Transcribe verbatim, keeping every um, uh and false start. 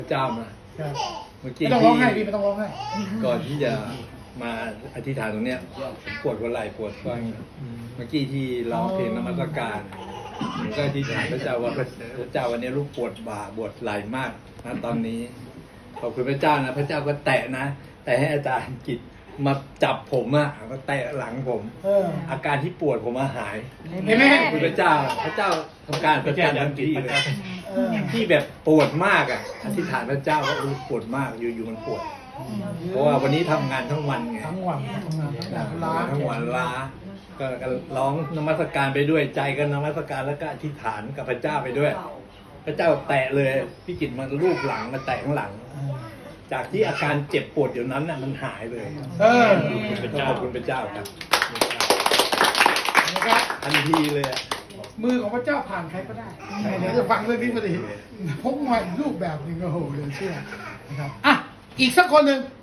พระเจ้ามาเมื่อกี้ไม่ต้องร้องไห้พี่ไม่ต้องร้องไห้ก่อนที่จะมาอธิษฐานตรงเนี้ยปวดหัวไหล่ปวดก้อยเมื่อกี้ที่ร้องเพลงนมัสการผมก็อธิษฐานพระเจ้าว่าพระเจ้าวันนี้ลูกปวดบ่าปวดไหล่มากนะตอนนี้ขอบคุณพระเจ้านะพระเจ้าก็แตะนะแต่ให้อาจารย์กิจมาจับผมอะก็แตะหลังผมเอออาการที่ปวดผมมาหายเห็นไหมขอบคุณพระเจ้าพระเจ้าทำการประจันทันทีเลยเออที่แบบปวดมากอ่ะอธิษฐานพระเจ้าว่าเออปวดมากอยู่ๆมันปวด เพราะว่าวันนี้ทำงานทั้งวันไงทั้งวันทำงานทั้งวันล้าทั้งวันล้าก็ร้องนมัสการไปด้วยใจก็นมัสการแล้วก็อธิษฐานกับพระเจ้าไปด้วย พระเจ้าแตะเลยพี่กิตมันลูบหลังมาแตะข้างหลัง จากที่อาการเจ็บปวดอยู่นั้นน่ะมันหายเลยเออขอบคุณพระเจ้าครับนะครับทันทีเลยอะมือของพระเจ้าผ่านใครก็ได้เดี๋ยวจะฟังเรื่องนี้พอดีพบมาอีกรูปแบบหนึ่งโอ้โหเหลือเชื่อนะครับอ่ะอีกสักคนหนึ่ง